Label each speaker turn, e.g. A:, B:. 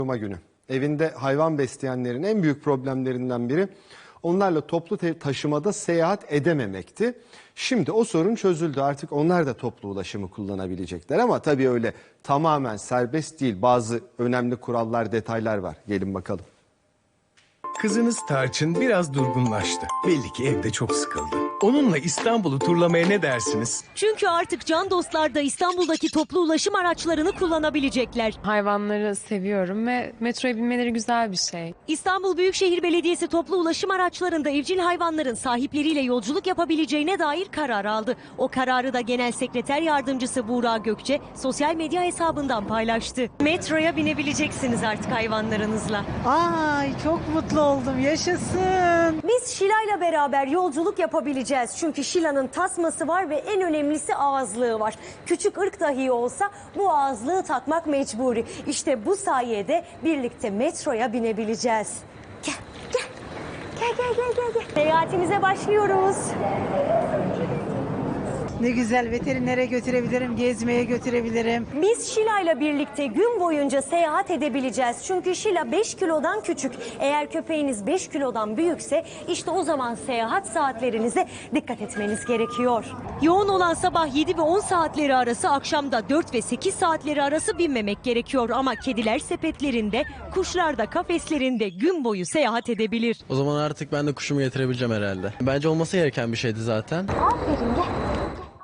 A: Günü. Evinde hayvan besleyenlerin en büyük problemlerinden biri onlarla toplu taşımada seyahat edememekti. Şimdi o sorun çözüldü. Artık onlar da toplu ulaşımı kullanabilecekler ama tabii öyle tamamen serbest değil. Bazı önemli kurallar, detaylar var. Gelin bakalım.
B: Kızınız Tarçın biraz durgunlaştı. Belli ki evde çok sıkıldı. Onunla İstanbul'u turlamaya ne dersiniz?
C: Çünkü artık can dostlar da İstanbul'daki toplu ulaşım araçlarını kullanabilecekler.
D: Hayvanları seviyorum ve metroya binmeleri güzel bir şey.
C: İstanbul Büyükşehir Belediyesi toplu ulaşım araçlarında evcil hayvanların sahipleriyle yolculuk yapabileceğine dair karar aldı. O kararı da Genel Sekreter Yardımcısı Buğra Gökçe sosyal medya hesabından paylaştı. Metroya binebileceksiniz artık hayvanlarınızla.
E: Ay çok mutlu oldum, yaşasın.
C: Biz Şila'yla beraber yolculuk yapabileceğiz. Çünkü Şila'nın tasması var ve en önemlisi ağızlığı var. Küçük ırk dahi olsa bu ağızlığı takmak mecburi. İşte bu sayede birlikte metroya binebileceğiz. Gel, gel. Gel. Seyahatimize başlıyoruz.
E: Ne güzel, veterinere götürebilirim, gezmeye götürebilirim.
C: Biz Şila'yla birlikte gün boyunca seyahat edebileceğiz. Çünkü Şila 5 kilodan küçük. Eğer köpeğiniz 5 kilodan büyükse işte o zaman seyahat saatlerinize dikkat etmeniz gerekiyor. Yoğun olan sabah 7 ve 10 saatleri arası, akşamda 4 ve 8 saatleri arası binmemek gerekiyor. Ama kediler sepetlerinde, kuşlar da kafeslerinde gün boyu seyahat edebilir.
F: O zaman artık ben de kuşumu getirebileceğim herhalde. Bence olması gereken bir şeydi zaten.
C: Aferin, gel.